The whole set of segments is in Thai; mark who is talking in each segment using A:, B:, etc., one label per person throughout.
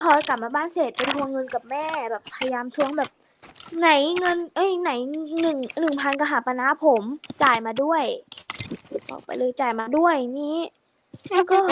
A: พอกลับมาบ้านเสร็จไปทวงเงินกับแม่แบบพยายามทวงแบบไหนเงินไหน1,000กะหาปณะนะผมจ่ายมาด้วยบอกไปเลยจ่ายมาด้วยนี้แล้วก็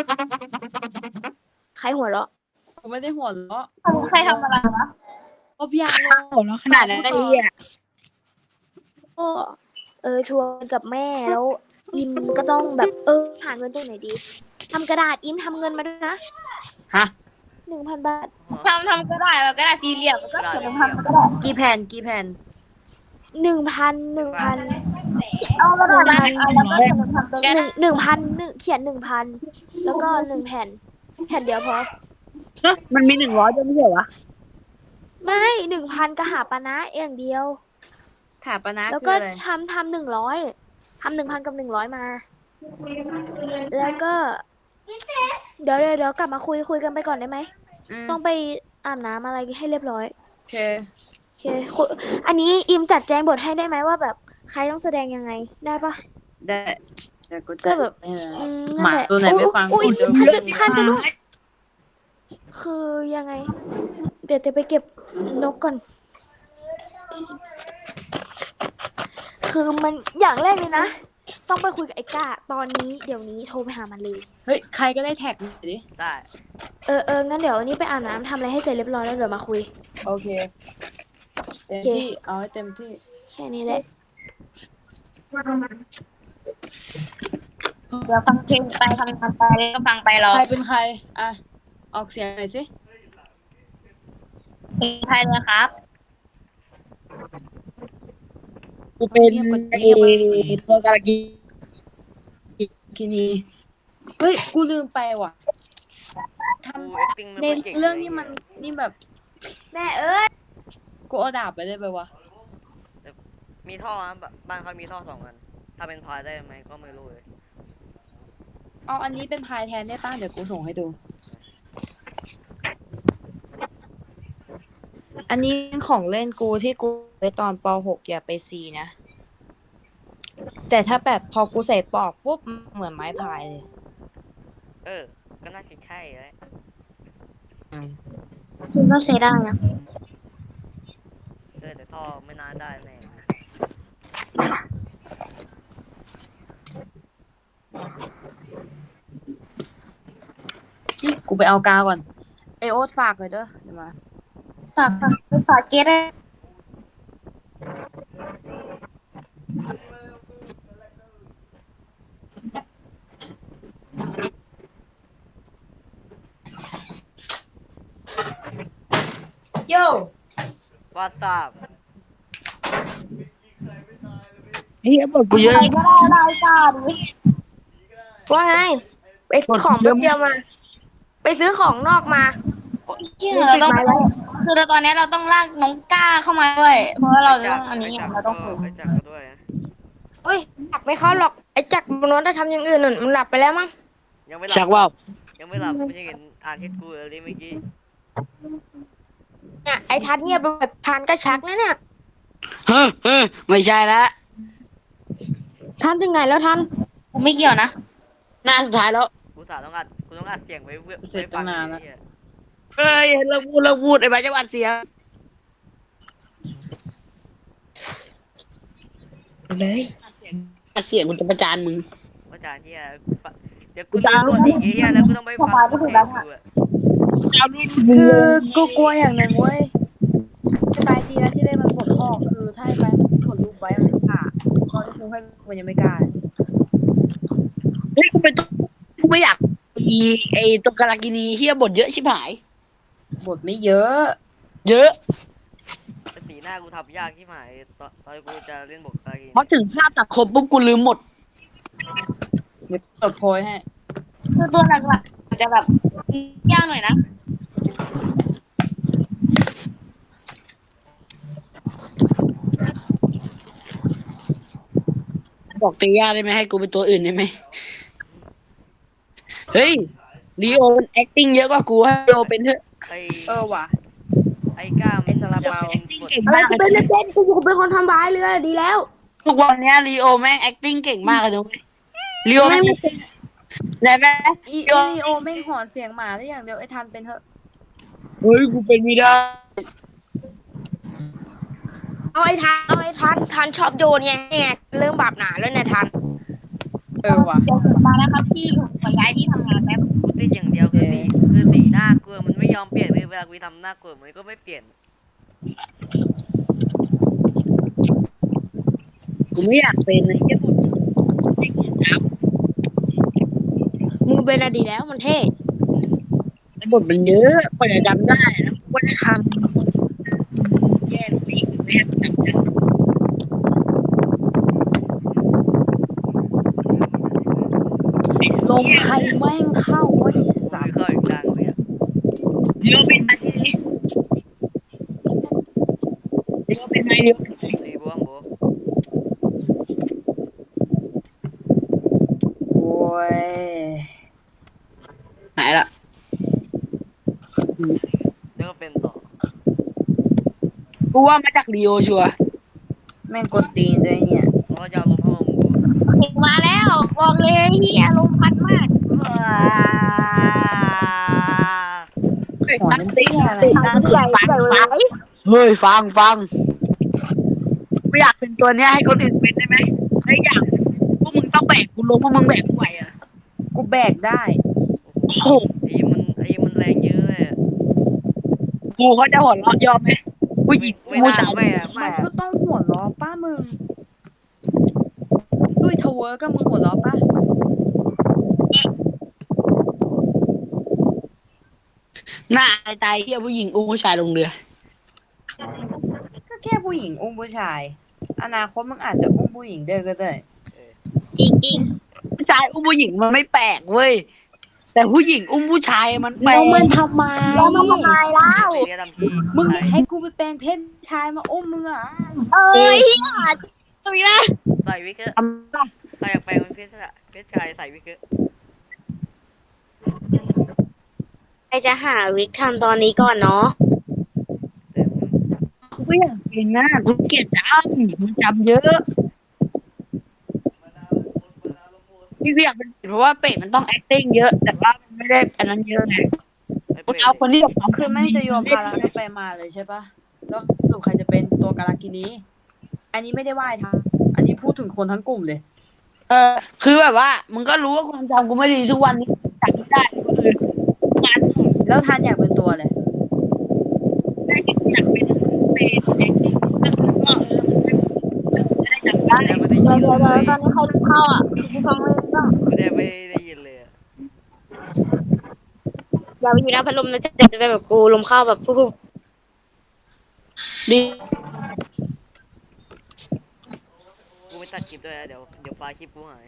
A: ใครหัวเราะ
B: กูไม่ได้หัวเราะ
C: ใครทำอะไรวะ
B: ก็พี่อาโลหัวเราะขนาดนั้นได้ยัง
A: ก็ทวงกับแม่แล้วอิมก็ต้องแบบหาเงินตรงไหนดีทำกระดาษอิมทำเงินมาด้วยนะ
B: ฮะ
A: 1,000 บาท
C: ทำก็ได้แบบก็ได้สี่เหลี่ยมก็เขียนลงทำก็ได้
B: กี่แผ่น
A: 1,000
C: เอาก็ได้นะแล้วก็เขียนลงทำก็ได้
A: 1,000เขียน1,000แล้วก็1 แผ่นเดียวพอ
B: มันมี100ด้วยไม่ใช่เหรอ
A: ไม่1,000กะหาปณะอย่างเดียว
B: ถาปนะ
A: แล้วก็ทำ100ทำ1,000กับ100มาแล้วก็เดี๋ยวกลับมาคุยกันไปก่อนได้ไหมต้องไปอาบน้ำอะไรให้เรียบร้อย
B: โอเค
A: อันนี้อิมจัดแจงบทให้ได้ไหมว่าแบบใครต้องแสดงยังไงได้ปะ
B: ได้แต่
A: ก็แบบ
B: หมาตัวไหนไม่ฟัง
A: อุ้ยพันจะลูกคือยังไงเดี๋ยวจะไปเก็บนกก่อนคือมันอย่างแรกเลยนะต้องไปคุยกับไอ้ก้าตอนนี้เดี๋ยวนี้โทรไปหามันเลย
B: เฮ้ยใครก็ได้แท็กหน่อยดิ
D: ได้
A: งั้นเดี๋ยวนี้ไปอาบน้ำทำอะไรให้เสร็จเรียบร้อยแล้วเดี๋ยวมาคุย
B: โอเคเต็มที่เอาให้เต็มที่
A: แค่นี้แหละ
C: เดี๋ยวฟังเพลงไปทำงานไปแล้วก็ฟังไปรอ
B: ใครเป็นใครอ่ะออกเสียงหน่อยสิ
C: เป็นใครเลยครับ
B: กูเป็นตัวการกินีเฮ้ยกูลืมไปว่ะ
D: ทำ
B: ในเรื่องนี้มันนี่แบบ
A: แม่เอ้ย
B: กูเอาดาบไปได้ไปวะ
D: มีท่อบ้านเขามีท่อ2 อันถ้าเป็นพายได้ไหมก็ไม่รู้เลย
B: เอาอันนี้เป็นพายแทนได้ป่ะเดี๋ยวกูส่งให้ดูอันนี้ของเล่นกูที่กูไปตอนป.6อย่าไปซีนะแต่ถ้าแบบพอกูใส่ปอกปุ๊บเหมือนไม้พายเลย
D: ก็น่าจะใช่เลย
C: คิดว่าใช้ได้นะ
D: แต่ท่อไม่น่าได้แน่
B: กูไปเอากาวก่อนโอ๊ตฝากเลยเด้อเดี๋ยวมา
C: ฝากเก็ตได้โย่
D: วาซับ
B: บอกกูเยอะ
C: ก็ได้จ้าดิ
A: ว่าไงไปของเดียวมาไปซื้อของนอกมา
C: เราต้องคือตอนนี้เราต้องลากน้องก้าเข้ามาด้วยเพราะว่าเราต้องอันนี้เราต้องฝึก
D: ไปจักก็ด้วย
A: เฮ้ยจักไม่เข้าหรอกไอ้จักบนนั้นจะทำอย่างอื่นมันหลับไปแล้วมั้ง
D: ยังไม่หลับ
B: ชักว่า
D: ยังไม่หลับไม่ใช่เห็นอ่านเช็ดกูเลยเมื่อกี้
A: เนี่ยไอ้ทัดเงียบแบบทันก็ชักนะเนี่ย
B: ไม่ใช่ละ
A: ทันถึงไหนแล้วทัน
C: กูไม่เกี่ยวนะ
B: หน้าสุดท้ายแล้ว
D: กูต้องอัดเสียงไว้ฟังนะ
B: เฮ้ยเราพูดไอ้บ้าจะอัดเสียงเลยอัดเสียงกูจะประจานมึง
D: ประจานเฮียเดี๋ยวกูจะพูดอีกเฮียแล้วกูต้องไปฟังกู
B: คือกูกลัวอย่างหนึ่งเว้ยสบายดีแล้วที่ได้มันปลดพ่อคือถ้าไปผลลูกไว้มันจะผ่าก็จะคงให้มันยังไม่กล้าเฮ้ยกูไม่อยากไอ้ตัวกาลากินีเฮียบทเยอะชิบหายบทไม่เยอะ
D: สีหน้ากูทำยากที่หมายตอนกูจะเล่นบทกาลากินี
B: พอถึงภาพตัดครบปุ๊บกูลืมหมดเดี๋ยวเปิดโพยให้
C: คือตัวหลักๆจะแบบยากหน่อยนะ
B: บอกเตีย่าได้ไหมให้กูเป็นตัวอื่นได้ไหมเฮ้ยลีโอมัน acting เยอะกว่ากูให้ลีโอเป็นเถอะว่ะ
D: ไอ้ก้ามัน
B: ซาลาเปา
A: อะไรกูเป็นกูเป็นคนทำร้ายเลยดีแล้ว
B: ทุกวันนี้ลีโอแม่ง acting เก่งมากเลยด้วยลีโอแม่งไหนแม่ลีโอแม่งหอนเสียงหมาได้อย่างเดียวไอ้ทันเป็นเถอะ
E: เฮ้ยกูเป็นไม่ได้
A: เอาไอ้ทันชอบโยนไงเริ่มบาปหนาแล้วเนี่ยทัน
B: ว่ะ
C: เดี๋ยวผมมาแล้วครับพี่ผมขอย้ายที่ทำงานแป๊บ
D: กูติดอย่างเดียวคือสีหน้ากลัวมันไม่ยอมเปลี่ยนเลยเวลากูทำหน้ากลัวมันก็ไม่เปลี่ยน
E: กูไม่อยากเป็นนะเหี้ยบท
A: มึงเป็นอดีแล้วมันเท่
E: บทมันเยอะกว่าจะจำได้แล้วกูก็จะทำแย่ทุกทีไม่ให้มันจำได้
B: ลมใครแม่งเข้าวะไอ้
D: กู
B: สั
D: ไม่
B: ตว์
D: เข้าอีกกลางเลยอะ
E: เดี๋ยวเป็นไหมเดี๋ยวเป็นไหมเดี๋ยวเป็นไหม
D: ตีบ้วงโบ
B: โอ้ย
E: หายละ
D: แล้วก็เป็นต่อ
E: กูว่ามาจากลีโอชัวร์
B: แม่งกดตีนด้วยเนี่ย
D: แล้วก็จะเอาลมเข้ามามึงกู
C: มาแล้วบอกเลยเฮียลมพัดมาก
B: หัวน้ำเตี้ยอะไร
C: ใหญ่ใหญ่เลย
E: เฮ้ยฟังไม่อยากเป็นตัวเนี้ยให้คนอื่นเป็นได้ไหมไม่อยากพวกมึงต้องแบกกูลงพวกมึงแบกกูไหวอ่ะ
B: กูแบกได้
E: โอ้โห
D: ไอ้มันแรงเยอะเลยอะ
E: กูเขาจะหัวเราะยอมไหมผู้หญิง
D: ไม่
E: ผู้
D: น่า
E: ชาย
D: ไม่อะ
B: มั
D: ไม่
B: น
D: อะ
B: ก็ต้องหัวล้อป้ามึงด้วยทเวอร์ก็มึงหัวล้อป้า
E: หน้าตายเฮียผู้หญิงอุ้มผู้ชายลงเรือ
B: ก็แค่ผู้หญิงอุ้มผู้ชาย อนาคตมึงอาจจะอุ้มผู้หญิงด้วยก็ได้
C: จริงจริง
E: ผู้ชายอุ้มผู้หญิงมันไม่แปลกเว้ยแต่ผู้หญิงอุ้มผู้ชายมันแปล
B: แล้ว
E: ก
B: มันทำไม
C: แล้วมันทำไมเล่า
D: ไปเรียกทำที่
B: มึงอยากให้กูไปแปลงเพศชายมาอุ้มมึงเหรอ
C: เอ้ยเฮียตรงนี้นะ
D: ใส่วิกเกอร์
E: ทำได้
D: ใครอยากแปลงเป็นเพศชายใส่วิกเกอร์
C: ใครจะหาวิกทำตอนนี้ก่อนเนาะ
D: แต่มึง
E: กูก็อยากเป็นนะกูเกลียดจำมันจำเยอะนี่กูอยากเป็นเพราะว่าเป็ดมันต้อง acting เยอะ แต่ว่ามันไม่ได้อันนั้นเยอะไง
D: ไม่
E: กู
D: เปลี่ยน
E: เอาคนที่แบบความ
B: คือแม่งจะโยนภาระกันไปมาเลยใช่ปะแล้วสรุปใครจะเป็นตัวการากินีอันนี้ไม่ได้ว่าไอ้ทำอันนี้พูดถึงคนทั้งกลุ่มเลย
E: คือแบบว่ามึงก็รู้ว่าความจำกูไม่ดีทุกวันนี้จำไม่ได้ก็คืองาน
B: แล้วทานอยากเป็นตัวเลย
E: ได้ที่อยากเป็นเป็น acting ก็จะได้จำได้
D: แทบไม่ได้
C: เดี๋
D: ยิ
C: ยวน
D: เล
C: เดี๋ยวย ตอนนี้ใครเข้าอ่ะกูฟังเลยก็
D: กูแทบไม่ได้ยินเลยอะ
C: อย่าไปอยู่หน้าพัดลมนะจะเป็นแบบกูลมเข้าแบบปุ๊บ
E: ดี
D: กูไม่ตัดคลิปด้วยนะเดี๋ยวไฟล์คลิปกูหาย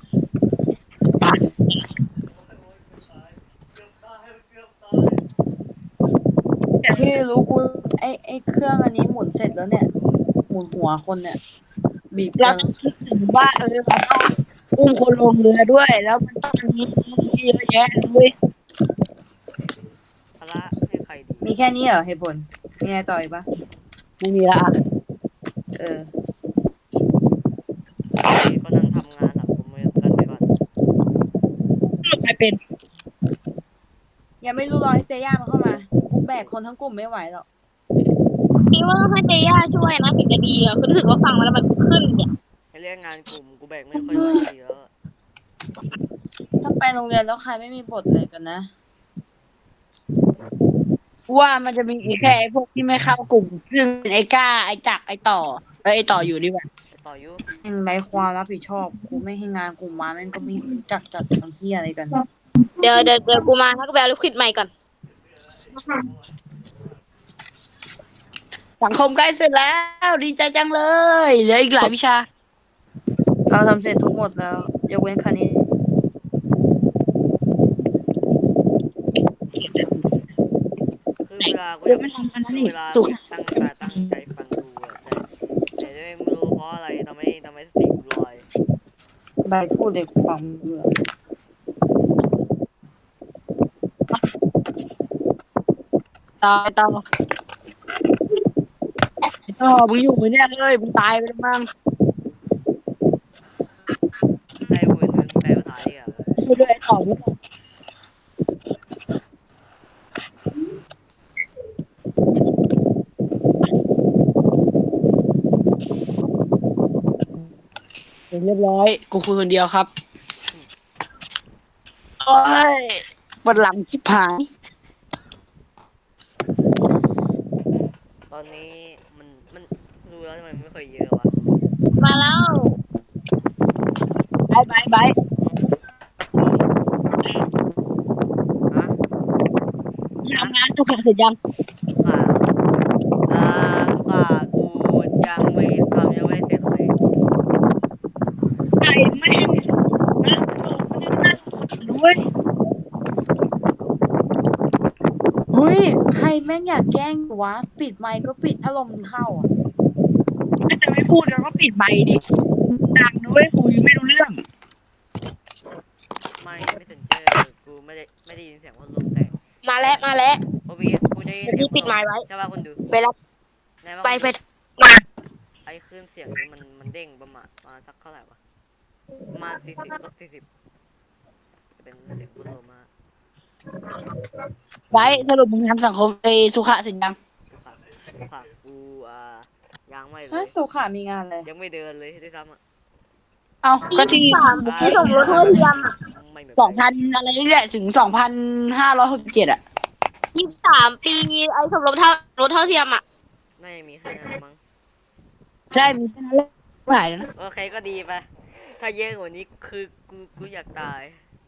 B: ที่รู้กูไอ้เครื่องอันนี้หมุนเสร็จแล้วเนี่ย หมุนหัวคนเนี่ย บีบ
E: เรา
B: กัน
E: ต้องคิดถึงว่าเราต้องอุ้มคนลงเรือด้วย แล้วมันต้องมีเยอะแยะเลย
D: ภาระให้ใครดี
B: มีแค่นี้เหรอเหตุผลมีอะไรต่ออีกปะ
E: ไม่มีละ
B: เออ
D: ก็นั่งทำงานสังคมกันไปก่อน
E: ใครเป็น
B: ยังไม่รู้รอให้เตย่ามันเข้ามากูแบกคนทั้งกลุ่มไม่ไหวหรอก
C: คิดว่าต้องให้เตย่าช่วยนะถึงจะดีอ่ะคือรู้สึกว่าฟังมาแล้วมันขึ้นเนี่ย
D: ให้เรียกงานกลุ่มกูแบกไม่ค่อยไหวดีแล้วอะ
B: ถ้าไปโรงเรียนแล้วใครไม่มีบทเลยกันนะ
E: ว่ามันจะมีอีกแค่ไอ้พวกที่ไม่เข้ากลุ่มซึ่งเป็นไอ้ก้าไอ้จักรไอ้ต่อไอ้ต่ออยู่ดีกว่า
D: ต่อยุ
B: ยังไรความรับผิดชอบกูไม่ให้งานกูมาแม่งก็ไม่รู้จักจัดทำเฮียอะไรกัน
C: เดี๋ยวกูมาถ้ากูไปเอาลิควิดใหม่ก่อน
E: สังคมใกล้เสร็จแล้ว ดีใจจังเลยเหลืออีกหลายวิชา
B: เราทำเสร็จทุกหมดแล้วยกเว้นคณิต
D: คือเวลากูอยากเวลาตั้งใจฟังดูอะแต่ไม่รู้เพราะอะไรทำให้สติกูลอย
B: ใบพูดเลยกูฟังไม่รู้เรื่อง
E: ต่อมึงอยู่ไหมเนี่ยเลยมึงตายไปแล้วมั้ง
D: ใช่กูเป็นแปลภาษาอีกอะ
E: ช่วยด้วยไอ้ต่อมึงเรียบร้อยกูคุยคนเดียวครับโอ้ยปวดหลังชิบหาย
D: ตอนนี้มันดูแล้วทำไมไม่ค่อยเยอะวะ
C: มาแล้ว
E: ไป
D: ฮะ
E: ทำงานสุขเสร็จยัง
D: ทุกข่าทุกข่ากูยังไม่ทำยังไม่เสร็จเลย
E: ไก่แม่งด้วย
B: เฮ้ยใครแม่งอยากแกล้งกูวะปิดไมค์ก็ปิดถ้าลมมันเข้าอ่ะ
E: ถ้าจะไม่พูดแล้วก็ปิดไมค์ดิดังด้วยคุยไม่รู้เรื่อง
D: ไม่สนใจกูไม่ได้ยินเสียงพัดลมแต่
C: มาแล้ว
D: โอวีกูได้ยินเสียง
C: ปิดไมค์ไว้
D: ใช่ป่ะคนดู
C: ไปรับ
D: ไหนว่า
C: ไป
D: ไอ้คลื่นเสียงนี้มันเด้งประมาณสักเท่าไหร่วะประมาณ40 ลบ 40จะเป็นเสียงพัดลมมา
E: ไว้สรุปมึงทำสังคมไอสุขะเสร็จยัง
D: ทุกข่ากูยังไม่เล
B: เฮ้ย
D: ย
B: สุขามีงานเลย
D: ยังไม่เดินเลยด้วยซ้ำอ่ะ
E: เอาก็ที่
C: ที่สมรสเท่าเทียมอ่ะ
D: ไม่เหมือน
E: 2,000อะไรนี่แหละถึง2,567อ่ะ
C: 23 ปีไอ้สมรสเท่าเทียมอ่ะ
D: น่าจะมีแค่นั้นมั้ง
E: ใช่มีแค่นั้นแหละไม่หายแล้วนะ
D: โอเคก็ดีไปถ้าเยอะกว่านี้คือกูอยากตาย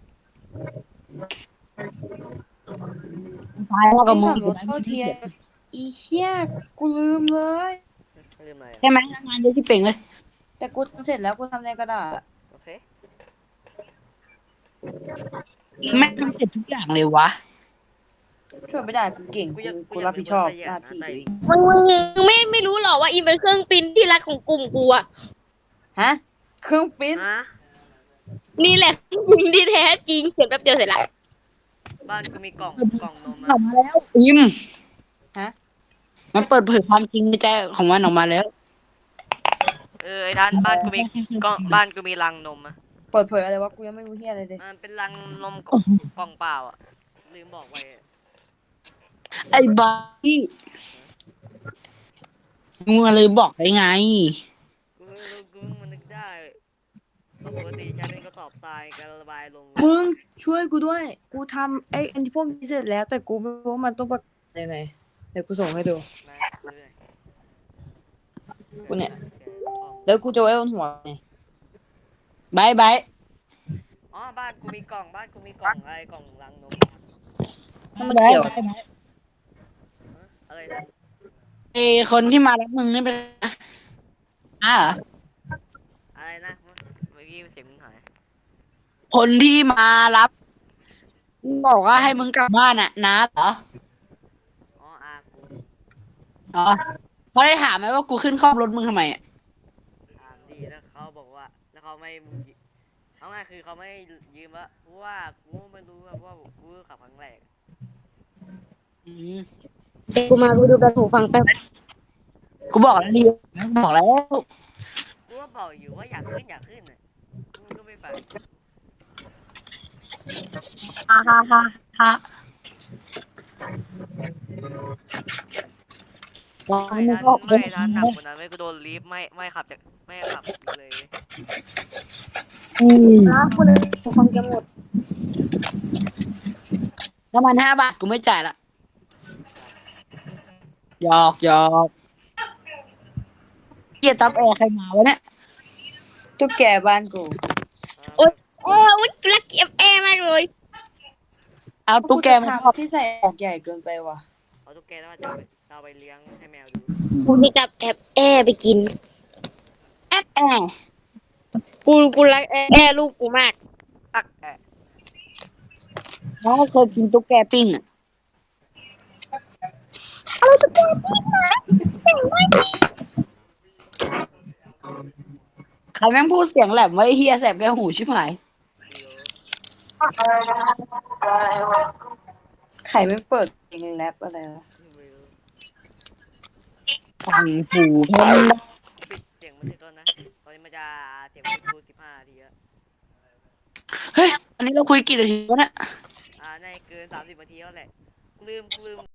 E: ตายแล้วกับ
B: ที่
E: มึ
B: ส
E: ง
B: มรสเท่าเทียมอีเหี้ยกูลืมเลย
D: ลืมอะไร
E: ใช่ไหมงานเยอะที่เป่งเลย
B: แต่กูทำเสร็จแล้วกูทำในกระดาษอะ
D: โอเค
E: แม่งทำเสร็จทุกอย่างเลยวะ
B: ช่วยไม่ได้กูเก่งกูรับผิดชอบหน้าที่ตัวเอง
C: มึงไม่รู้หรอว่าอีเป็นเครื่องปริ้นที่รักของกลุ่มกูอ่ะ
B: ฮะเครื่องปริ้น
D: ฮะ
C: นี่แหละเครื่องปริ้นที่แท้จริงเขียนแป๊บเดียวเสร็จละ
D: บ้านกูมีกล่องนม
E: ออกมาแล้วอิม
B: ฮะ
E: มันเปิดเผยความจริงในใจของมันออกมาแล้ว
D: ไอ้ท่านบ้านกูมีบ้านกูมีรังนมอ่ะ
B: เปิดเผยอะไรวะกูยังไม่รู้เหี้ยอะไรเลย
D: มันเป็นรังนมกล่องเปล่าอ่ะลืมบอกไว้
E: ไอ้บ้าที่มึงเลยบอกได้ไง
D: กูไม่รู้กูเพิ่งมันนึกได้ปกติใช้เป็นกระสอบทรายการระบายลง
B: มึงช่วยกูด้วย กูทำไอ้อันที่พวกนี้เสร็จแล้ว แต่กูไม่รู้ว่ามันต้องประกาศยังไงเดี๋ยวกูส่งให้ดู
D: นะเรื่อย
B: กูเนี่ย แล้วกูจะไว้บนหัวไง
E: บายบาย
D: อ๋อบ้านกูมีกล่องไอ้กล่องรังนม
B: ถ้ามันเกี่ยว
D: อะไรนะ
E: ไอ้คนที่มารับมึงนี่เป็นเหรอ
D: อะไรนะเมื่อกี้เสียงมึงหาย
E: คนที่มารับบอกว่าให้มึงกลับบ้านอ่ะน้าเหรอ
D: อ๋อกู
E: อ๋อเขาได้ถามไหมว่ากูขึ้นคล่อมรถมึงทำไมอ่ะ
D: ดีแล้วเขาบอกว่าแล้วเขาไม่เอาง่ายคือเขาไม่ยืมละเพราะว่ากูไม่รู้ว่ากูขับครั้งแรก
E: อืม
C: กูมากูดูแบบหูฟังแป๊บ
E: กูบอกแล้วดิบอกแล้ว
D: กูก็บอกอยู่ว่าอยากขึ้นน่ะกูก็ไม่ไป
E: ฮ่าฮ่าฮ่าฮ่า
D: ไม่ทันหนักกว่านั้นไม่กูโดนลีฟไม่ขับจากไม่ขับเลย
C: นะคุณหูฟังจะหมด
E: น้ำมัน5 บาทกูไม่จ่ายละหยอกเกียร์ตับแอร์ใครมาวะเนี่ย
B: ตุ๊กแกบ้านกู
C: อุ๊ยรักเก็บแอร์มากเลย
E: เอาตุ๊กแกมา
B: ทำที่ใส่ออกใหญ่เกินไปว่ะ
D: เอาตุ๊กแกแล้วมาจะเอาไปเลี้ยงให้แมวดู
C: กูจะจับแอร์ไปกิน
E: แอร์
C: กูรักแอร์ลูกกูมาก
D: ตัก
E: น้องเคยกินตุ๊กแกปิ้งอ่ะใครแม่งพูดเสียงแหลมไว้เฮียแสบแก้วหูชิบหาย
B: ไข่ไม่เปิดเพลงแรปอะไรวะ
E: ฟังหูเพิ่ม
D: ปิดเสียงมันถึงก่อนนะตอนนี้มันจะเสียงมันดู15 นาทีแล้ว
E: เฮ้ยอันนี้เราคุยกี่นาทีวะเนี่ย
D: ในเกิน30 นาทีแล้วแหละกูลืม